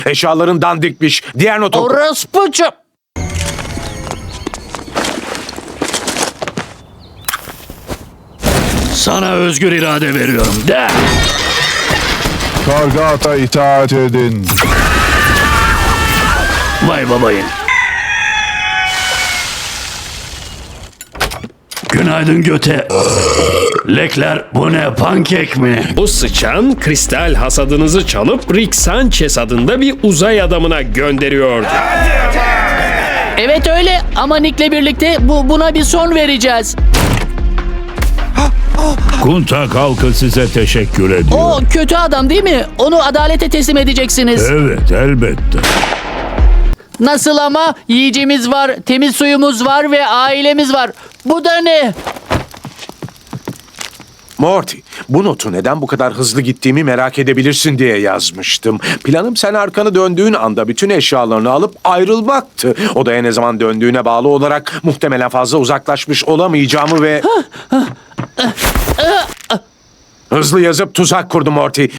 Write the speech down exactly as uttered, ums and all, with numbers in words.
Eşyaların dandikmiş. Diğer notu oku. Orospucu. Sana özgür irade veriyorum. De. Kargata itaat edin. Vay babayın. Günaydın göte. Lekler bu ne, pankek mi? Bu sıçan kristal hasadınızı çalıp Rick Sanchez adında bir uzay adamına gönderiyordu. Evet öyle ama Nick'le birlikte bu buna bir son vereceğiz. Kuntak halkı size teşekkür ediyor. O kötü adam değil mi? Onu adalete teslim edeceksiniz. Evet, elbette. Nasıl ama? Yiyeceğimiz var, temiz suyumuz var ve ailemiz var. Bu da ne? Morty, bu notu neden bu kadar hızlı gittiğimi merak edebilirsin diye yazmıştım. Planım sen arkanı döndüğün anda bütün eşyalarını alıp ayrılmaktı. Odaya ne zaman döndüğüne bağlı olarak muhtemelen fazla uzaklaşmış olamayacağımı ve... Hızlı yazıp tuzak kurdum Morty.